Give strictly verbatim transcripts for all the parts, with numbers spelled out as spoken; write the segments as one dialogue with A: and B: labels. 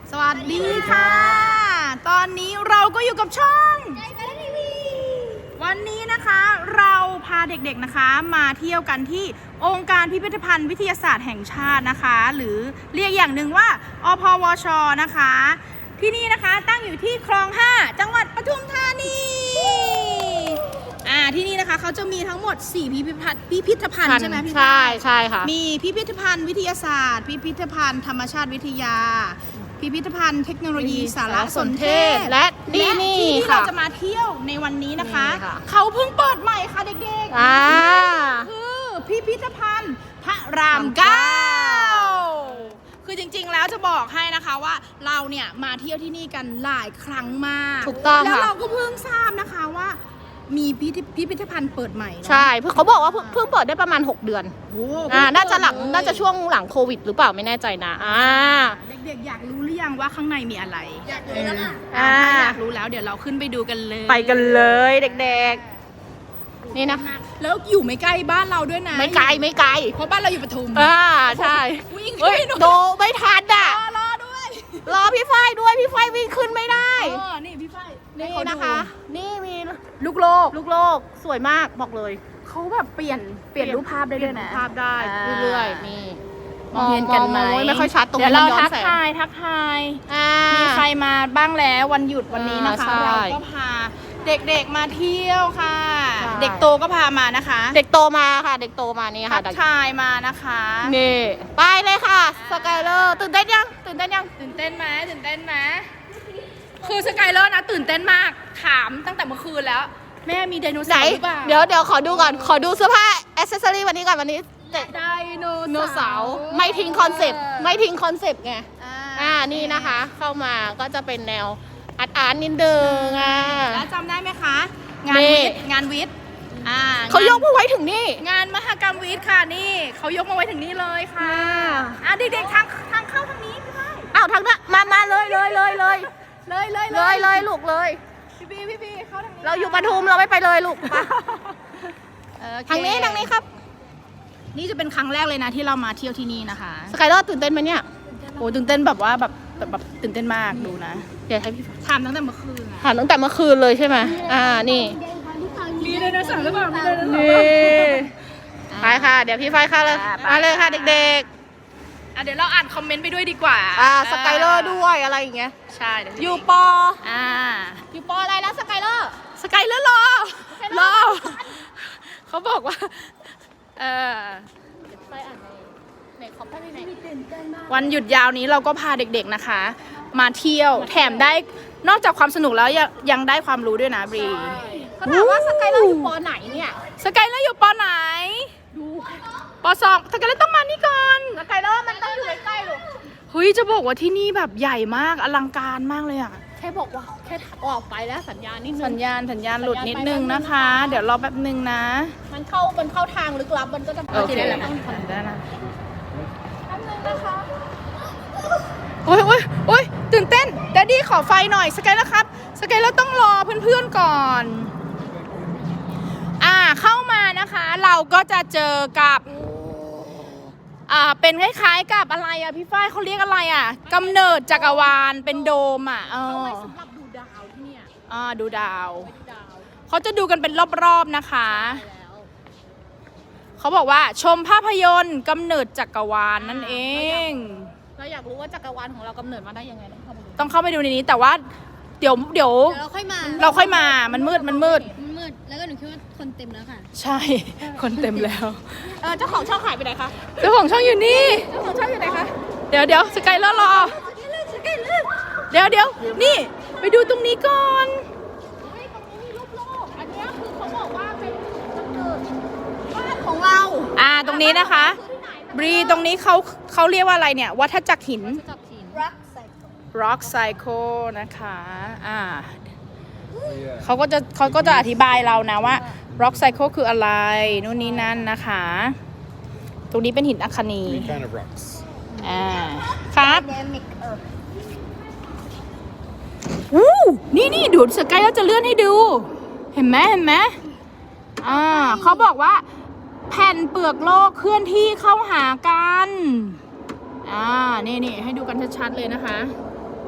A: สวัสดีค่ะ ตอนนี้เราก็อยู่กับช่องวันนี้นะคะเราพาเด็กๆนะคะมาเที่ยวกันที่องค์การพิพิธภัณฑ์วิทยาศาสตร์แห่งชาตินะคะหรือเรียกอย่างหนึ่งว่าอพวชนะคะที่นี่นะคะตั้งอยู่ที่คลองห้าจังหวัดปทุมธานีอ่าที่นี่นะคะเขาจะมีทั้งหมดสี่พิพิธภัณฑ์พิพิธภัณฑ์ใช่ไหมพี่
B: ใช่ใช่ค่ะ
A: มีพิพิธภัณฑ์วิทยาศาสตร์พิพิธภัณฑ์ธรรมชาติวิทยาพิพิธภัณฑ์เทคโนโลยีสารสนเทศ
B: และนี่นี่
A: ที่ที่
B: ค่ะ
A: เราจะมาเที่ยวในวันนี้นะคะ
B: นี่ค่ะ
A: เขาเพิ่งเปิดใหม่ค่ะเด็กๆ
B: อ่า
A: คือพิพิธภัณฑ์พระรามเก้าคือจริงๆแล้วจะบอกให้นะคะว่าเราเนี่ยมาเที่ยวที่นี่กันหลายครั้งมาก
B: ถูกต้อง
A: แล้ว
B: ค่ะ
A: เราก็เพิ่งทราบนะคะว่ามีพิพิธพิพิธภัณฑ์เปิดใหม่เนอะ
B: ใช่เพิ่งเขาบอกว่าเพิ่งเพิ่งเปิดได้ประมาณหกเดือน
A: โอ้
B: อ่า
A: เพิ่ง
B: น่าจะหลัง
A: เปิดเลย
B: น่าจะช่วงหลังโควิดหรือเปล่าไม่แน่ใจนะอ่า
A: เด็กๆอยากรู้หรือยังว่าข้างในมีอะไร
C: อยากรู้แล้วค่ะ
A: อ่า
B: อ่า
A: ถ้าอยากรู้แล้วเดี๋ยวเราขึ้นไปดูกันเลย
B: ไปกันเลยเด็กๆนี่นะคะ
A: แล้วอยู่ไม่ใกล้บ้านเราด้วยนะ
B: ไม่ไกลไม่ไกล
A: เพราะบ้านเราอยู่ปทุม
B: อ่าใช่
A: วิ่ง
B: เฮ้ย
A: ขึ้นไปหน่อย
B: โดไม่ทันอ่ะ
A: รอรอด้วย
B: รอพี่ฝ้ายด้วยพี่ฝ้ายวิ่งขึ้นไม่ได้
A: เออนี่พี่ฝ้าย
B: นี่
A: ให้เขาดู
B: นะคะ นี่มี
A: ลูกโลก
B: ลูกโลกสวยมากบอกเลย
A: เขาแบบเปลี่ยนเปลี่ยนรูปภาพได้ด้วยนะ
B: เปลี่ยนรูปภาพได้
A: อ่า
B: เรื่อยๆนี่
A: มองเห็นกันไหม
B: มองไม่ค่อยชัดตรง
A: เดี๋ยว
B: นี้
A: เรา
B: มันย้อน
A: ทัก
B: แสง
A: ทายทักทาย
B: อ่า
A: มีใครมาบ้างแล้ววันหยุดวันนี้นะคะ
B: อ่าใช่
A: เราก็พาเด็กๆมาเที่ยวค่ะ
B: ใช่
A: เด็กโตก็พามานะคะ
B: เด็กโตมาค่ะ เด็กโตมานี่
A: ทั
B: ค่ะ
A: กทายมานะคะ
B: นี่ไปเลยค่ะสกายเลอร์ตื่นเต้นยังตื่นเต้นยัง
A: ตื่นเต้นไหมตื่นเต้นไหมคือสกายเลอร์นะตื่นเต้นมากถามตั้งแต่เมื่อคืนแล้ว แม่มีไดโน
B: ไหน
A: เสาร์หรือเปล่า
B: เดี๋ยวเดี๋ยวขอดูก่อนขอดูเสื้อผ้าอ c เซสซอรี่วันนี้ก่อนวันนี้
A: ไดโน
B: โนเสาร์ไม่ทิ้งคอนเซปต์ไม่ทิ้งคอนเซปต์ไง
A: อ่า
B: อ่านี่นะคะ เข้ามาก็จะเป็นแนวอาร์ตอาร์ตนิดนึงอ่ะ
A: แล้วจำได้ไหมคะ งาน
B: นี่
A: วิทย์งานวิทย์อ่า
B: เขายกมาไว้ถึงนี่
A: งานมหกรรมวิทย์ค่ะนี่เขายกมาไว้ถึงนี่เลยค่ะ
B: อ่า
A: อ่ะเด็กๆทางทางเข้าทางนี้พี่ไ
B: อ้าวทางนั้นมามาเลยเลยเลยเลย
A: เลยเลย
B: เลยเลยลูกเลย
A: พี่บีพี่บีเข้าทางนี้
B: เราอยู่ปทุมเราไม่ไปเลยลูกไป
A: โอเค
B: ทางนี้ทางนี้ครับ
A: นี่จะเป็นครั้งแรกเลยนะที่เรามาเที่ยวที่นี่นะคะ
B: สกายเลอร์ตื่นเต้นไหมเนี่ย
A: โอ้ตื่นเต้นแบบว่าแบบแบบแบบตื่นเต้นมากดูนะ
B: เดี๋ยวให้พี่
A: ถามตั้งแต่เมื่อคืนอะ
B: ถามตั้งแต่เมื่อคืนเลยใช่ไหมอ่านี่
A: มีไดโนเสาร์หรือเปล่ามีไดโนเสาร์
B: นี่ไปค่ะ เดี๋ยวพี่ไฟเข้าเลย
A: อ่าไป
B: มาเลยค่ะเด็ก
A: อ่ะเดี๋ยวเราอ่านคอมเมนต์ไปด้วยดีกว่า
B: ๆ อ่าสกายเลอร์ด้วยอะไรอย่างเงี้ย
A: ใช่เดี๋ว
B: อยู่ปอ
A: อ่า
B: อยู่ปออะไรแล้วสกายเลอร์
A: สกายเลอร์รอรอเขาบอกว่าเออ
B: ไปอ่านในในคอมพิวเตอร์ใน
A: วันหยุดยาวนี้เราก็พาเด็กๆนะคะ มาเที่ยวแถมได้นอกจากความสนุกแล้วยังยังได้ความรู้ด้วยนะบรี
B: เขาถามว่าสกายเลอร์อยู่ปอไหนเนี่ย
A: สกายเลอร์อยู่ปอไหนปอสองสกายเลอร์ต้องมานี่ก่อน
B: สกายเลอร์มันต้องอยู่ใกล้ๆลูก
A: เฮ้ยจะบอกว่าที่นี่แบบใหญ่มากอลังการมากเลยอ่ะ
B: แค่บอกว่าแค่ออกไปแล้วสัญญาณนิดนึ
A: สัญ
B: ง
A: ญาณสัญญาณหลุดนิดนึงนะคะ เดี๋ยวรอแป๊บนึงนะ
B: มันเข้ามันเข้าทางลึกลับมันก็จะ
A: โอเค
B: ได้
A: ได้
B: แล้ว
A: นะโอ้ยโอ้ยโอ้ยตื่นเต้นแดดดี้ขอไฟหน่อยสกายแล้วครับสกายแล้วต้องรอเพื่อนๆก่อน อ่าเข้ามานะคะเราก็จะเจอกับอ่าเป็นคล้ายๆกับอะไรอ่ะพี่ฝ้ายเขาเรียกอะไรอ่ะกำเนิดจักรวาลเป็นโดมอ่ะเออ
B: สำหรับดูดาวที่เนี่ย
A: อ่าดูดาว
B: ดูดาว
A: เขาจะดูกันเป็นรอบๆนะคะ
B: แล้ว
A: เขาบอกว่าชมภาพยนตร์กำเนิดจักรวาลนั่นเอง
B: เราอยากรู้ว่าจักรวาลของเรากำเนิดมาได้ยังไงต้องเข้าไปดู
A: ต้องเข้าไปดูในนี้แต่ว่าเดี๋ยวเดี๋ยว
C: เดี๋ยวเราค่อยมา
A: เราค่อยมามันมืดมันมืด
C: มันมืด แล้วก็หนูคิดว่าคนเต็มแล้วค่ะ
A: ใช่ คนเต็มแล้ว
B: เออเจ้าของช่องหายไปไหนคะ
A: เจ้าของช่องอยู่นี่
B: เจ้าของช่องอยู่ไหนคะ
A: เดี๋ยวเดี๋ยวสกายเลอร์รอ เดี๋ยวเดี๋ยวนี่ ไปดูตรงนี้ก่อน
B: เฮ้ยตรงนี้มีรูปโลกอันเนี้ยคือเขาบอกว่าเป็นกำเนิด
C: บ้านของเรา
A: อ่าตรงนี้นะคะ บรีตรงนี้เขาเขาเรียกว่าอะไรเนี่ย วัฏจักรหิน
B: จับหิน
C: รักใส่
A: rock cycle นะคะ อ่าเขาก็จะเขาก็จะอธิบายเรานะว่า rock cycle คืออะไร นู่นนี่นั่นนะคะ ตรงนี้เป็นหินอัคคนี
D: Three kind of rocks.
A: อ่า ครับ
C: เดมิกเออ
A: วู้นี่นี่ดูสกายแล้วจะเลื่อนให้ดู เห็นไหมเห็นไหมอ่าเขาบอกว่า แผ่นเปลือกโลกเคลื่อนที่เข้าหากัน อ่า นี่นี่ให้ดูกันชัดๆเลยนะคะ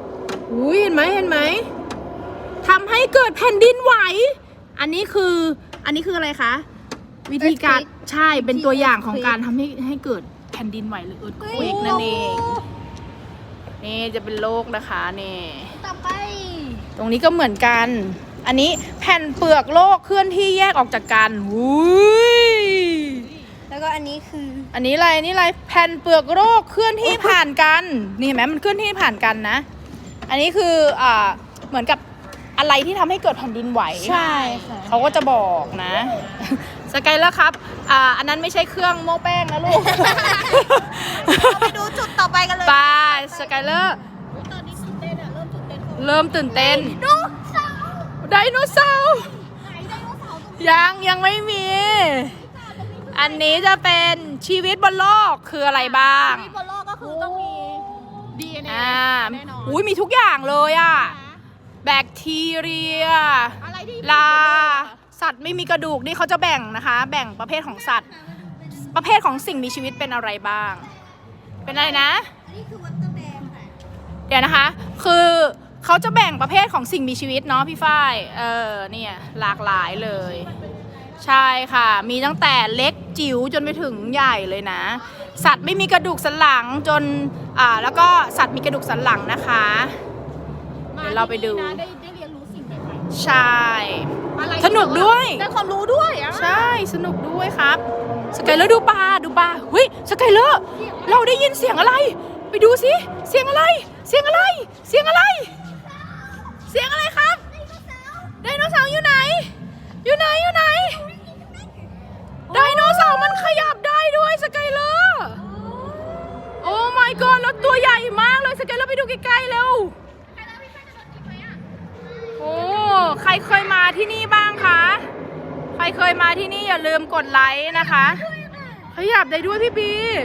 A: อุ้ยเห็นไหมเห็นไหมทำให้เกิดแผ่นดินไหว อันนี้คืออันนี้คืออะไรคะวิธีการใช่เป็นตัวอย่างของการทำให้ให้เกิดแผ่นดินไหวหรือเอิร์ธเควกนั่นเองนี่จะเป็นโลกนะคะนี่
C: ต่อไป
A: ตรงนี้ก็เหมือนกัน อันนี้แผ่นเปลือกโลกเคลื่อนที่แยกออกจากกันอุ้ย
C: แล้วก็อันนี้คือ
A: อันนี้อะไรอันนี้อะไรแผ่นเปลือกโลกเคลื่อนที่ผ่านกันนี่เห็นไหมมันเคลื่อนที่ผ่านกันนะ อันนี้คืออ่าเหมือนกับอะไรที่ทำให้เกิดแผ่นดินไหว
C: ใช่ค่ะ
A: เขาก็จะบอกนะ สกายเลอร์ครับอ่าอันนั้นไม่ใช่เครื่องโม้แป้งนะลูก
C: ไปดูจุดต่อไปกันเลย
A: ไปสกายเลอร์
C: ตอนนี้ตื่นเต้นอะเริ่มตื่นเต้น
A: เริ่มตื่นเต้น
C: ดูเสา
A: ไดโนเสาร์
C: ไหนไดโนเสาร์ตรงนี้
A: ยังยังไม่มี อันนี้จะเป็นชีวิตบนโลกคืออะไรบ้าง
C: ที่บนโลกก็คือต้องมี
B: ดีเอ็นเอ
A: อ่า
B: แน่นอน
A: อุ้ยมีทุกอย่างเลยอะแบคทีเรีย
B: อะไรที่
A: ลา สัตว์ไม่มีกระดูกนี่เขาจะแบ่งนะคะ แบ่งประเภทของสัตว์ ประเภทของสิ่งมีชีวิตเป็นอะไรบ้าง เป็นอะไรนะ
C: อันนี้คือวัตเตอร์แบงค่ะ
A: เดี๋ยวนะคะ คือเขาจะแบ่งประเภทของสิ่งมีชีวิตเนาะพี่ฝ้าย เออ เนี่ยหลากหลายเลย ใช่ค่ะ มีตั้งแต่เล็กจิ๋วจนไปถึงใหญ่เลยนะ สัตว์ไม่มีกระดูกสันหลังจน อ่า แล้วก็สัตว์มีกระดูกสันหลังนะคะ เดี๋ยวเราไปดู
B: มที่นี่นะได้ได้เรียนรู้สิ่งใหม่
A: ใช่
B: ๆอะไร
A: สนุกด้วย
B: ได้ความรู้ด้วยอ่ะ
A: ใช่ สนุกด้วยครับ สกายเลอร์ดูปลาดูปลาเฮ้ย สกายเลอร์ เราได้ยินเสียงอะไร ไปดูสิ เสียงอะไร เสียงอะไร เสียงอะไร เสียงอะไรครับ ไดโนเสาร์อยู่ไหน อยู่ไหน อยู่ไหน ไดโนเสาร์มันขยับได้ด้วยสกายเลอร์ โอ้ my god แล้วตัวใหญ่มากเลยสกายเลอร์ไปดูใกล้ๆเร็ว โอ้ ใครเคยมาที่นี่บ้างคะ ใครเคยมาที่นี่อย่าลืมกดไลค์นะคะ ขยับได้ด้วยพี่บี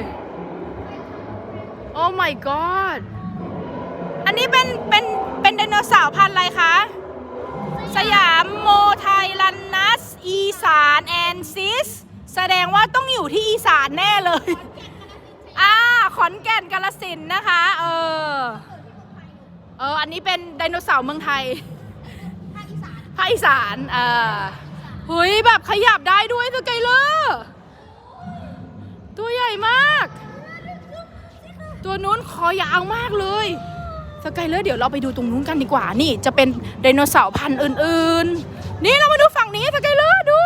A: โอ้ my god อันนี้เป็นเป็นเป็นไดโนเสาร์พันธุ์อะไรคะ สยามโมไทลันนัส อีสานแอนซิส แสดงว่าต้องอยู่ที่อีสานแน่เลย อ่า ขอนแก่นกาฬสินธุ์นะคะ เออ เออ อันนี้เป็นไดโนเสาร์เมืองไทย ภาคอีสานเออเฮ้ยแบบขยับได้ด้วยสกายเลอร์ ตัวใหญ่มาก ตัวนู้นคอยาวมากเลยสกายเลอร์เดี๋ยวเราไปดูตรงนู้นกันดีกว่า นี่จะเป็นไดโนเสาร์พันธุ์อื่นๆ นี่เรามาดูฝั่งนี้สกายเลอร์ดู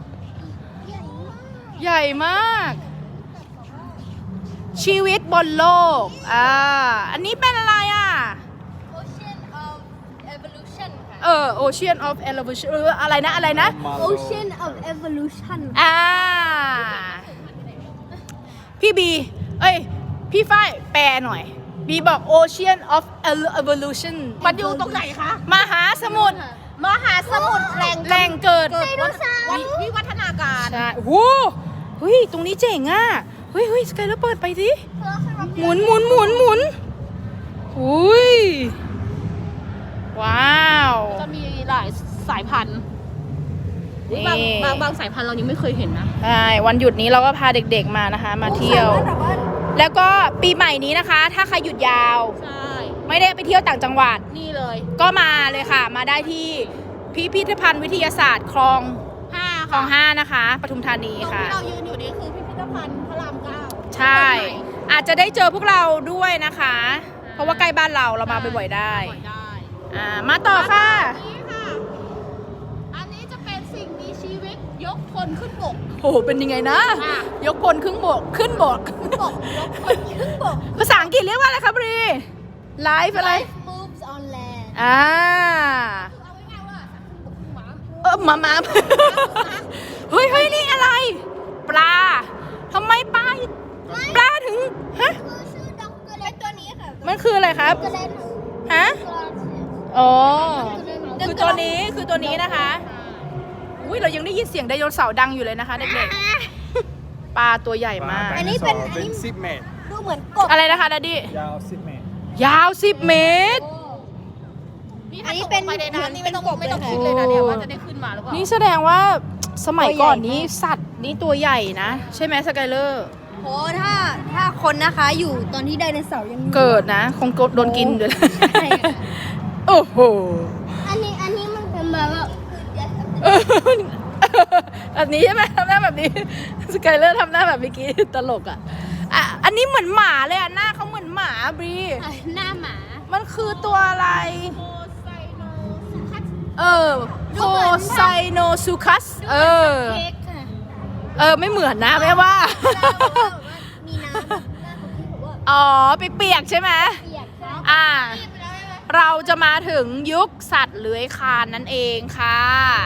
A: ใหญ่มาก ชีวิตบนโลก อ่า อันนี้เป็นอะไรอ่ะ
C: Ocean of Evolution ค่ะ
A: เออ Ocean of Evolution เอออะไรนะ อะไรนะ
C: Ocean of Evolution
A: อ่า พี่บี เอ้ย พี่ฝ้ายแปลหน่อย บีบอก Ocean of Evolution
B: มันอยู่ตรงไหนคะ
A: มหาสมุทร
B: มหาสมุทรแหล่ง
A: แหล่งเกิด
C: ไดโนเสาร์
B: วัดวิวัฒนาการ
A: ใช่โอ้โหเฮ้ย ตรงนี้เจ๋งอ่ะ เฮ้ยเฮ้ยสกายแล้วเปิดไปสิ หมุนหมุนหมุนหมุนอุ้ย ว้าว
B: จะมีหลายสายพันธุ์อุ๊ยบาง
A: นี่
B: บางบางสายพันธุ์เรายังไม่เคยเห็นนะ
A: ใช่ วันหยุดนี้เราก็พาเด็กๆมานะคะ มาเที่ยว
C: แต่ว่า
A: แล้วก็ปีใหม่นี้นะคะ ถ้าใครหยุดยาว
B: ใช่
A: ไม่ได้ไปเที่ยวต่างจังหวัด
B: นี่เลย
A: ก็มาเลยค่ะ มาได้ที่พิพิธภัณฑ์วิทยาศาสตร์คลอง
B: ห้า
A: คลองห้านะคะปทุมธานี
B: ตรง
A: ค่ะ
B: ที่เรายืนอยู่นี่คือพิพิธภัณฑ์พระรามเก้า
A: ใช่ อาจจะได้เจอพวกเราด้วยนะคะ เพราะว่าใกล้บ้านเราเรามาบ่อยๆได้
B: บ่อยได้
A: อ่ามาต่อค่ะ
B: อันนี้ค่ะ อันนี้จะเป็นสิ่งมีชีวิตยกคนขึ้นบก
A: โอ้โหเป็นยังไงนะ
B: ค่ะ
A: ยกพลครึ่งบกขึ้นบก
B: บกยกคนขึ้นบก
A: ภาษาอังกฤษเรียกว่าอะไรครับบรีไลฟ์อะไร
C: Life moves on land
A: อ่า
B: เอาง่ายๆว่าสัตว์ขึ้นบกขึ้นหมา
A: เออมามา เฮ้ยเฮ้ยนี่อะไร ปลาทำไมปลาปลาถึงฮะ
C: คือชื่อด็อกเกอร์เลนตัวนี้ค่ะ
A: มันคืออะไรครับ
C: ด็อกเกอร์เลน
A: ฮะอ๋อคือตัวนี้คือตัวนี้นะคะอุ้ยเรายังได้ยินเสียงไดโนเสาร์ดังอยู่เลยนะคะเด็กๆปลาตัวใหญ่มาก
C: อันนี้เป็น
D: ไดโซ
C: อันนี้
D: สิบเมตร
C: ดูเหมือนกบ
A: อะไรนะคะดัดดี้
D: ยาวสิบเมตร
A: ยาวสิบเมตร
B: นี่
C: อั
B: ถ้าน
C: นี้
B: ตก
C: เป็น
B: ลงไปในน้ำนี่ไม่ต้อง
C: เป็นกบ
B: ไม่ต้อง
C: เลย
B: คิดเลยนะเนี่ยว่าจะได้ขึ้นมาหรือเปล่า
A: นี่แสดงว่าสมัยก่อนนี้
C: ตัวใหญ่มาก
A: สัตว์นี่ตัวใหญ่นะ ใช่ไหมสกายเลอร์
C: โอ้ถ้าถ้าคนนะคะอยู่ตอนที่ไดโนเสาร์ยังอยู่
A: เกิดนะ คงโดนกินเลย
C: ใช่ค่ะ
A: โอ้โห
C: อันนี้อันนี้มันเป็นแบบว่า
A: เออแบบนี้ใช่ไหมทำหน้าแบบนี้สกายเลอร์ทำหน้าแบบเมื่อกี้ตลกอ่ะอ่ะ อันนี้เหมือนหมาเลยอ่ะหน้าเขาเหมือนหมาบรี
C: หน้าหมา
A: มันคือตัวอะไร
B: โมไซโนสุคัส
A: เออโคไซโนซูคัสเออ
C: เค้กค่ะ
A: เออไม่เหมือนนะแม่ว่า
C: มีน้ำหน้าของพี่ผมว่า
A: อ๋อเปียกๆใช่ไหม
C: เปียกครับ
A: อ่า เราจะมาถึงยุคสัตว์เลื้อยคลานนั่นเองค่ะ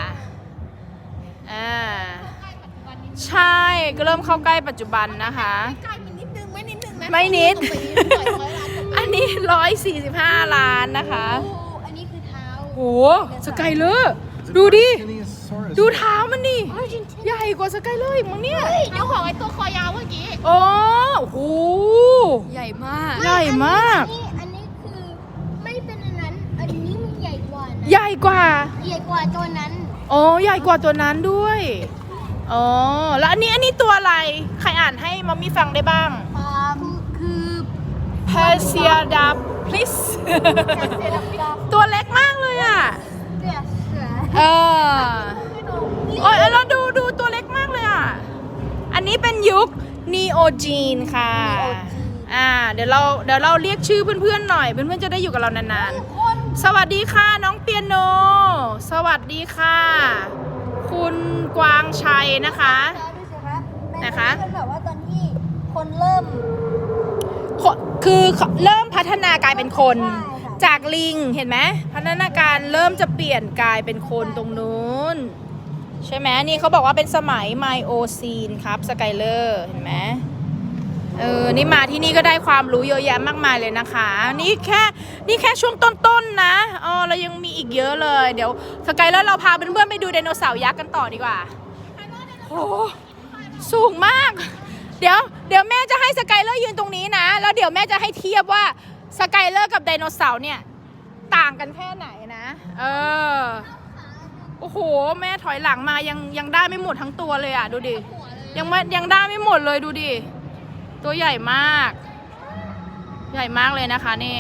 A: อ่าใช่ก็เริ่มเข้าใกล้ปัจจุบันนะคะ
B: ใกล้มันนิดนึงไม่นิดนึงนะ
A: ไม่นิด
B: ปล่อยร้อยล้าน
A: อันนี้ร้อยสี่สิบห้าล้านนะคะ
C: โอ้อันนี้คือเท้า
A: โหสกายเลอร์ดูดิ ดูเท้ามันดิใหญ่กว่าสกายเลอร์อีกมั้งเนี่ย
B: เจ้าของไอ้ตัวคอยาวเมื่อกี้
A: โอ้โห
C: ใหญ่มาก
A: ใหญ่มาก
C: อันนี้อันนี้คือไม่เป็นอันนั้น อันนี้มันใหญ่กว่านะ
A: ใหญ่กว่า
C: ใหญ่กว่าตัวนั้น
A: อ๋อใหญ่กว่าตัวนั้นด้วย อ๋อ แล้วอันนี้อันนี้ตัวอะไร ใครอ่านให้มัมมี่ฟังได้บ้าง
C: อ่าคือ
A: p e r s i a d a p l i s ตัวเล็กมากเลยอ่ะ
C: เสือเสือ
A: เออโอ้ยแล้วดูดูตัวเล็กมากเลยอ่ะ อันนี้เป็นยุค Neogene ค่ะ อ่า เดี๋ยวเราเดี๋ยวเราเรียกชื่อเพื่อนๆหน่อย เพื่อนๆจะได้อยู่กับเรานานๆ สวัสดีค่ะน้องเปียโน สวัสดีค่ะ คุณกวางชัยนะคะ
C: ดูสิครับ
A: นะคะ
C: เป็นแบบว่าตอนที่คนเริ่ม
A: คือเริ่มพัฒนากลายเป็นคน
C: ใช่ค่ะ
A: จากลิงเห็นไหมพัฒนาการเริ่มจะเปลี่ยนกลายเป็นคนตรงนู้นใช่ไหมนี่เขาบอกว่าเป็นสมัยไมโอซีนครับสกายเลอร์เห็นไหมเออนี่มาที่นี่ก็ได้ความรู้เยอะแยะมากมายเลยนะคะ นี่แค่นี่แค่ช่วงต้นๆนะอ๋อเรายังมีอีกเยอะเลยเดี๋ยวสกายเลอร์เราพาเพื่อนๆไปดูไดโนเสาร์ยักษ์กันต่อดีกว่าโอ้สูงมาก เดี๋ยวเดี๋ยวแม่จะให้สกายเลอร์ยืนตรงนี้นะแล้วเดี๋ยวแม่จะให้เทียบว่าสกายเลอร์กับไดโนเสาร์เนี่ยต่างกันแค่ไหนนะเออโอ้โหแม่ถอยหลังมายังยังได้ไม่หมดทั้งตัวเลยอ่ะดูดิยังไม่ยังได้ไม่หมดเลยดูดิตัวใหญ่มาก ใหญ่มากเลยนะคะนี่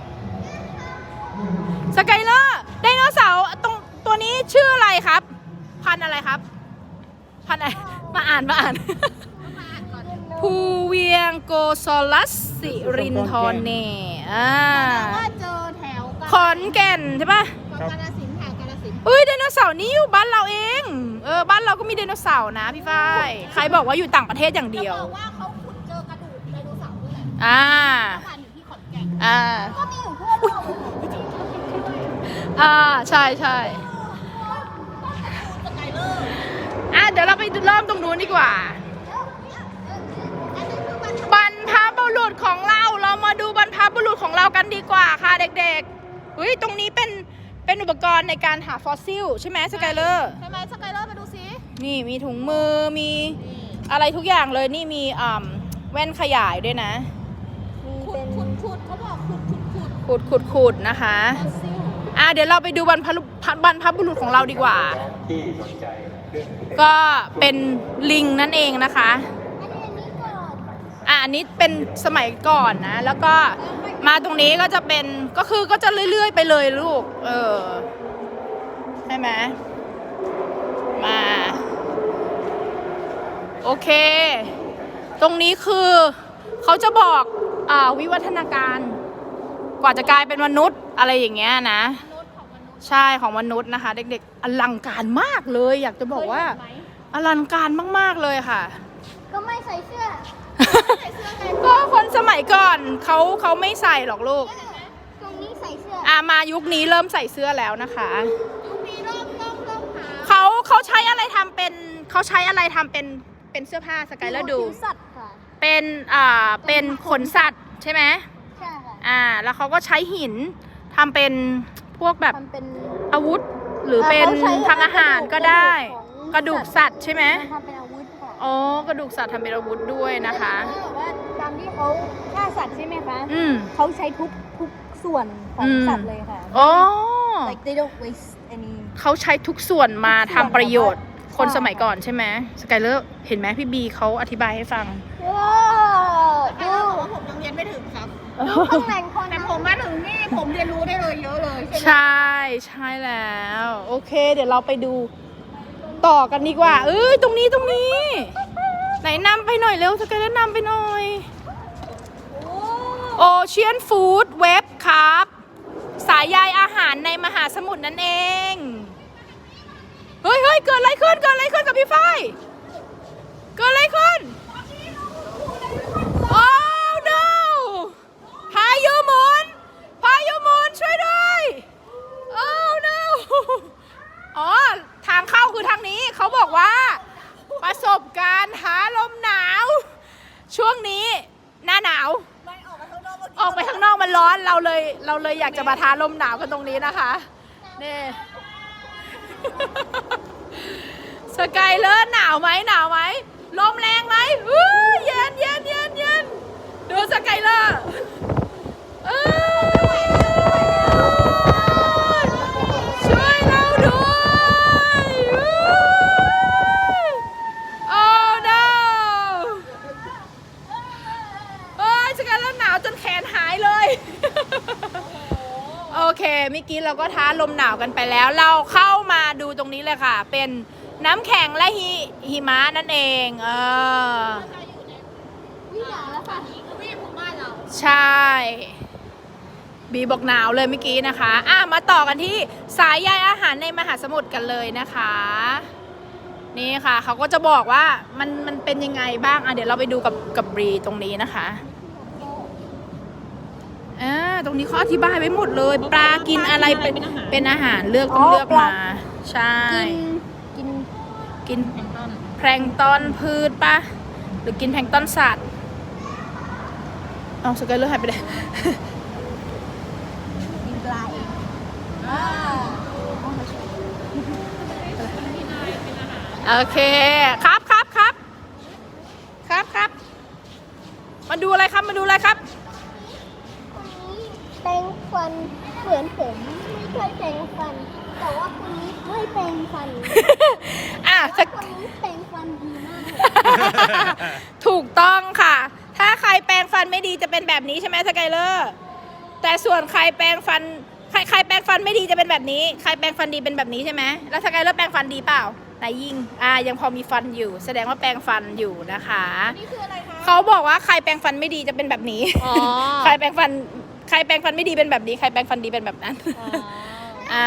A: สกายเลอร์ไดโนเสาร์ตรงตัวนี้ชื่ออะไรครับพันธุ์อะไรครับพันธุ์อะไรมาอ่านมาอ่าน ภูเวียงโกซอลัสสิรินทรเนอ่า
B: ว่าเจอแถว
A: ขอนแก่นใช่ปะ
B: กาฬสินธุ์ค่ะกาฬสินธุ์
A: เอ้ยไดโนเสาร์นี่อยู่บ้านเราเองเออบ้านเราก็มีไดโนเสาร์นะพี่ฝ้ายใครบอกว่าอยู่ต่างประเทศอย่างเดียว
B: บอกว่าเขาขุดเจอกระดูกไดโนเสาร์ด้วยแหละ
A: อ่า
B: พันอยู่ที่ขอนแก่น
A: อ่า
C: ก็มีอยู่ทั่วโลก
A: อ่าใช่ใช่
B: สกายเลอร์
A: อ่ะเดี๋ยวเราไปเริ่มตรงนู้นดีกว่า บรรพบุรุษของเราเรามาดูบรรพบุรุษของเรากันดีกว่าค่ะเด็กๆเฮ้ยตรงนี้เป็นเป็นอุปกรณ์ในการหาฟอสซิลใช่ไหมสกายเลอร์
B: ใช่ไหมสกายเลอร์มาดูซิ
A: นี่มีถุงมือมีอะไรทุกอย่างเลยนี่มีอ่าแว่นขยายด้วยนะ
B: ขุดขุดขุดเขาบอกขุดขุดขุด
A: ขุดขุดขุดนะคะ
B: ฟอสซิล
A: อ่ะเดี๋ยวเราไปดูบรรพบุรุษบรรพบุรุษของเราดีกว่า ก็เป็นลิงนั่นเองนะคะ อ่ะอันนี้เป็นสมัยก่อนนะ แล้วก็มาตรงนี้ก็จะเป็นก็คือก็จะเรื่อยๆไปเลยลูก เออใช่ไหมมา โอเค ตรงนี้คือเขาจะบอกอ่าวิวัฒนาการ กว่าจะกลายเป็นมนุษย์อะไรอย่างเงี้ยนะ ใช่ของมนุษย์นะคะ เด็กๆอลังการมากเลย อยากจะบอกว่าอลังการมากๆเลยค่ะ
C: ก็ไม่ใส่เสื้อ
A: ก็คนสมัยก่อนเขาเขาไม่ใส่หรอกลูก
C: ตรงนี้ใส่เสื้อ
A: อ่ามายุคนี้เริ่มใส่เสื้อแล้วนะคะ
B: ยุคนี้เริ่มเริ่มเริ่มหา
A: เขาเขาใช้อะไรทำเป็นเขาใช้อะไรทำเป็นเป็นเสื้อผ้าสกายเลอร์ดู
C: ผิวสัตว์ค่ะ
A: เป็นอ่าเป็นขนสัตว์ใช่ไหม
C: ใช่ค่ะ
A: อ่าแล้วเขาก็ใช้หินทำเป็นพวกแบบ
C: ทำเป็น
A: อาวุธ หรือเป็น
C: เขาใช้
A: ทำอาหารก็ได้ ก
C: ก
A: ระ
C: ระดู
A: ดูก
C: กของ
A: สัตว์ใช่ไหม
C: ทำเป็นอาวุธค่ะ
A: อ๋อกระดูกสัตว์ทำเป็นอาวุธด้วยนะคะ
C: แล้วแบบว่าตามที่เขาฆ่าสัตว์ใช่ไหมคะ
A: อืม
C: เขาใช้ทุกทุกส่วนของ
A: อืม
C: สัตว์เลยค่ะ
A: อ๋อ
C: like they don't waste any
A: เขาใช้ทุกส่วนมาทำประโยชน์
C: ใช่
A: คนสมัยก่อนใช่ไหมสกายเลอร์เห็นไหมพี่บีเขาอธิบายให้ฟัง
C: ว้าว
B: แต่
C: ดู
B: ว่าผมยังเรียนไม่ถึงครับ
C: ดูตำแหน่งคน
B: แต่ผมมาถึงนี่ให้ผมเรียนรู้ได้เลยเยอะเลยใช่ไหม
A: ใช่ใช่แล้ว โอเค เดี๋ยวเราไปดูต่อกันดีกว่า เอ้ยตรงนี้ตรงนี้ ไหนนำไปหน่อยเร็วสกายแล้วนำไปหน่อยโอเชียนฟู้ดเว็บครับ สายใยอาหารในมหาสมุทรนั่นเอง เฮ้ยเฮ้ยเกิดอะไรขึ้นเกิดอะไรขึ้นกับพี่ฝ้ายเกิดอะไรขึ้น โอ้ no พายุหมุนพายุหมุนช่วยด้วยโอ้ no อ๋อทางเข้าคือทางนี้เขาบอกว่าประสบการณ์หาลมหนาว ช่วงนี้หน้าหนาว
B: ไม่ออกไปข้างนอก
A: ออกไปข้างนอกมันร้อนเราเลยเราเลยอยากจะมาท้าลมหนาวกันตรงนี้นะคะนี่ สกายเลอร์หนาวไหมหนาวไหมลมแรงไหมอู้เย็นเย็นเย็นเย็นดูสกายเลอร์เอ้ยช่วยเราด้วยอู้โอ้ no เอ้ยสกายเลอร์หนาวจนแขนหายเลย โอเคเมื่อกี้เราก็ท้าลมหนาวกันไปแล้ว เราเข้ามาดูตรงนี้เลยค่ะ เป็นน้ำแข็งและหิหิมะนั่นเองเออ
C: วิหนาวแล้วค่ะ
B: วิ่งของบ้านเรา
A: ใช่ บีบอกหนาวเลยเมื่อกี้นะคะอ่ะมาต่อกันที่สายใยอาหารในมหาสมุทรกันเลยนะคะ นี่ค่ะเขาก็จะบอกว่ามันมันเป็นยังไงบ้างอ่ะเดี๋ยวเราไปดูกับกับบรีตรงนี้นะคะอ่าตรงนี้เขาอธิบายไว้หมดเลย ปลากินอะไรเป็นเป็นอาหารเลือกต้องเลือกมา ใช่
C: กิน
A: กินแพลงก์ตอนพืชปะหรือกินแพลงก์ตอนสัตว์เอาสกายเลอร์หายไปไหน
C: กินปลาเอง
A: โอเคครับครับครับครับครับมาดูอะไรครับมาดูอะไรครับ
C: แปรงฟันเหมือนผมไม่เคยแปรงฟัน แต่ว่าคนนี้ไม่แปรงฟัน
A: อ่ะ
C: แต่
A: สก
C: คนนี้แปรงฟันดีมากเลย
A: ถูกต้องค่ะ ถ้าใครแปรงฟันไม่ดีจะเป็นแบบนี้ใช่ไหมสกายเลอร์แต่ส่วนใครแปรงฟันใครใครแปรงฟันไม่ดีจะเป็นแบบนี้ ใครแปรงฟันดีเป็นแบบนี้ใช่ไหมแล้วสกายเลอร์แปรงฟันดีเปล่าไหนยิงอ่ายังพอมีฟันอยู่ แสดงว่าแปรงฟันอยู่นะคะ
B: นี่คืออะไรคะ
A: เขาบอกว่าใครแปรงฟันไม่ดีจะเป็นแบบนี้
B: อ๋อ
A: ใครแปรงฟันใครแปรงฟันไม่ดีเป็นแบบนี้ใครแปรงฟันดีเป็นแบบนั้น
B: อ๋อ
A: อ่า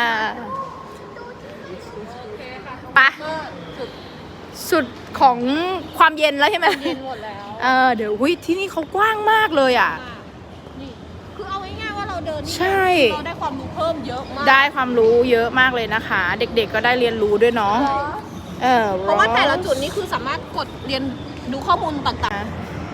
B: โอเคค่ะ
A: ไป
B: ก็สุด
A: สุดของความเย็นแล้วใช่ไหม
B: เย็นหมดแล้ว
A: เออเดี๋ยววิที่นี่เขากว้างมากเลยอ่ะ
B: นี่คือเอาง่ายๆว่าเราเดินนี่
A: ใช่
B: เราได้ความรู้เพิ่มเยอะมาก
A: ได้ความรู้เยอะมากเลยนะคะ เด็กๆก็ได้เรียนรู้ด้วยเนาะเออ
B: เพราะว่าแต่ละจุดนี้คือสามารถกดเรียนดูข้อมูลต่าง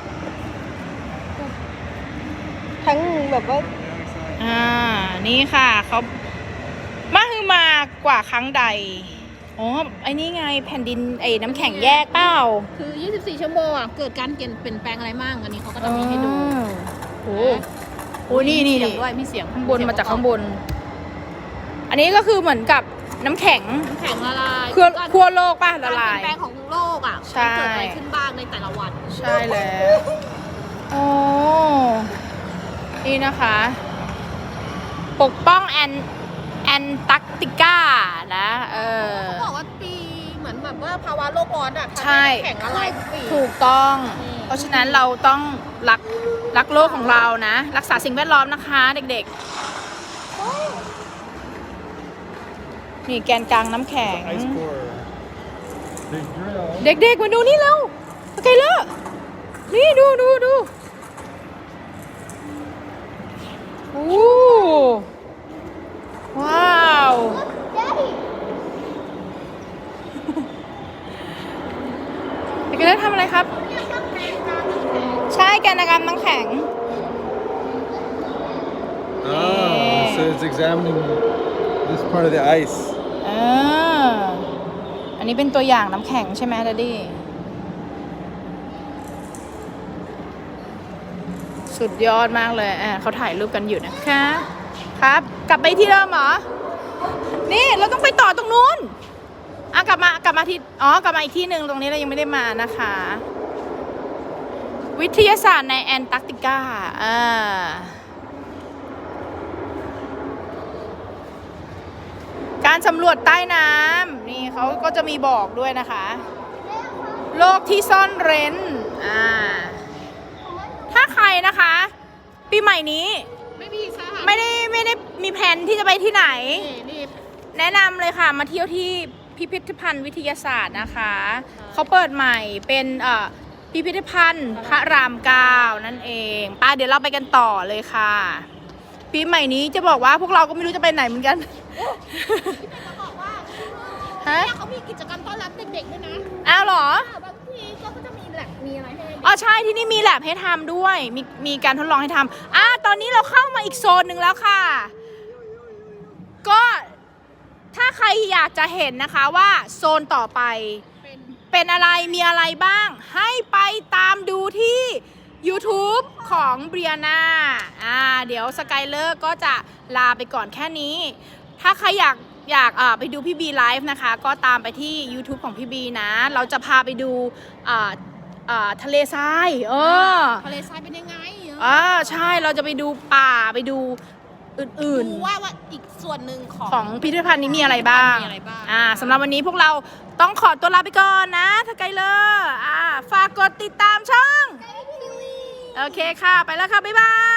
C: ทั้งแบบว่า
A: อ่านี่ค่ะเขามาคือมากว่าครั้งใดอ๋อไอ้นี่ไงแผ่นดินไอ้น้ำแข็งแยกเปล่า
B: ๆ คือ ยี่สิบสี่ ชั่วโมงอ่ะ เกิดการเปลี่ยนเปลี่ยนแปลงอะไรบ้างอันนี้เขาก็จะมีให้ดู
A: โอ้โหนี่นี่
B: มีเสีย
A: นี่
B: งด้วยมีเสียง
A: ข้างบนมาจากข้างบน อันนี้ก็คือเหมือนกับน้ำแข็ง
B: น้ำแข็งละลาย
A: ขั้วขั้วโลกป่ะละ
B: การเป
A: ลา
B: ลี่ย
A: ย
B: นแปลงของโลกอ่ะ
A: ใช่
B: มันเกิดอะไรขึ้นบ้างในแต่ละวัน
A: ใช่แล้วโอ้นี่นะคะ ปกป้องแอนแอนตาร์กติกานะเออ
B: เขาบอกว่าปีเหมือนแบบว่าภาวะโลกร้อนอ่ะ
A: ใช่
B: ทำให้น้ำแข็งละลายทุกปี
A: ถูกต้อง
B: อืม
A: เพราะฉะนั้นเราต้องรักรักโลกของเรานะ รักษาสิ่งแวดล้อมนะคะเด็กๆ นี่แกนกลางน้ำแข็ง
D: Ice core. Big drill.
A: เด็กๆ มาดูนี่เร็วโอเคเลอร์นี่ดูดูดูโอ้ว้าวเด็กๆเลอร์ทำอะไรครับ ใช่แกนกลางน้ำแข็ง
D: Ah, so it's examining this part of the ice.
A: อ่าอันนี้เป็นตัวอย่างน้ำแข็งใช่ไหมดัดดี้สุดยอดมากเลยอ่าเขาถ่ายรูปกันอยู่นะคะ ครับ กลับไปที่เดิมเหรอ นี่เราต้องไปต่อตรงนู้นอ่ะกลับมากลับมาที่อ๋อกลับมาอีกที่หนึ่งตรงนี้เรายังไม่ได้มานะคะ วิทยาศาสตร์ในแอนตาร์กติกาอ่าการสำรวจใต้น้ำนี่เขาก็จะมีบอกด้วยนะคะ โลกที่ซ่อนเร้นอ่าถ้าใครนะคะ ปีใหม่นี้
B: ไม่มีสถาน
A: ไม่ได้ไม่ได้มีแผนที่จะไปที่ไหน
B: นี่นี่
A: แนะนำเลยค่ะ มาเที่ยวที่พิพิธภัณฑ์วิทยาศาสตร์นะคะ เขาเปิดใหม่เป็นเอ่อพิพิธภัณฑ์พระรามเก้านั่นเองป้าเดี๋ยวเราไปกันต่อเลยค่ะ ปีใหม่นี้จะบอกว่าพวกเราก็ไม่รู้จะไปไหนเหมือนกัน
B: จะบอกว่า
A: ฮะ
B: เนี่ยเขามีกิจกรรมต้อนรับเด็กๆด้วยนะ
A: อ้าวเหรอ
B: บางทีก็จะมีแลบมีอะไรให้เด็ก
A: อ๋อใช่ที่นี่มีแลบให้ทำด้วย มีมีการทดลองให้ทำอ่ะตอนนี้เราเข้ามาอีกโซนหนึ่งแล้วค่ะ ก็ถ้าใครอยากจะเห็นนะคะว่าโซนต่อไป
B: เป็น
A: เป็นอะไรมีอะไรบ้าง ให้ไปตามดูที่ YouTube ของเบียนาอ่าเดี๋ยวสกายเลอร์ก็จะลาไปก่อนแค่นี้ ถ้าใครอยากอยากอ่าไปดูพี่บีไลฟ์นะคะ ก็ตามไปที่ YouTube ของพี่บีนะ เราจะพาไปดูอ่าอ่าทะเลทรายเออ
B: ทะเลทรายเป็นยังไง
A: อ่าใช่เราจะไปดูป่าไปดูอื่น
B: ดู
A: ๆ
B: ว่าว่าอีกส่วนหนึ่งของ
A: ของพิพิธภัณฑ์นี้มีอะไรบ้าง
B: มีอะไรบ้าง
A: อ่าสำหรับวันนี้พวกเราต้องขอตัวลาไปก่อนนะสกายเลอร์อ่าฝากกดติดตามช่อง โอเคค่ะ ไปแล้วค่ะ บ๊ายบาย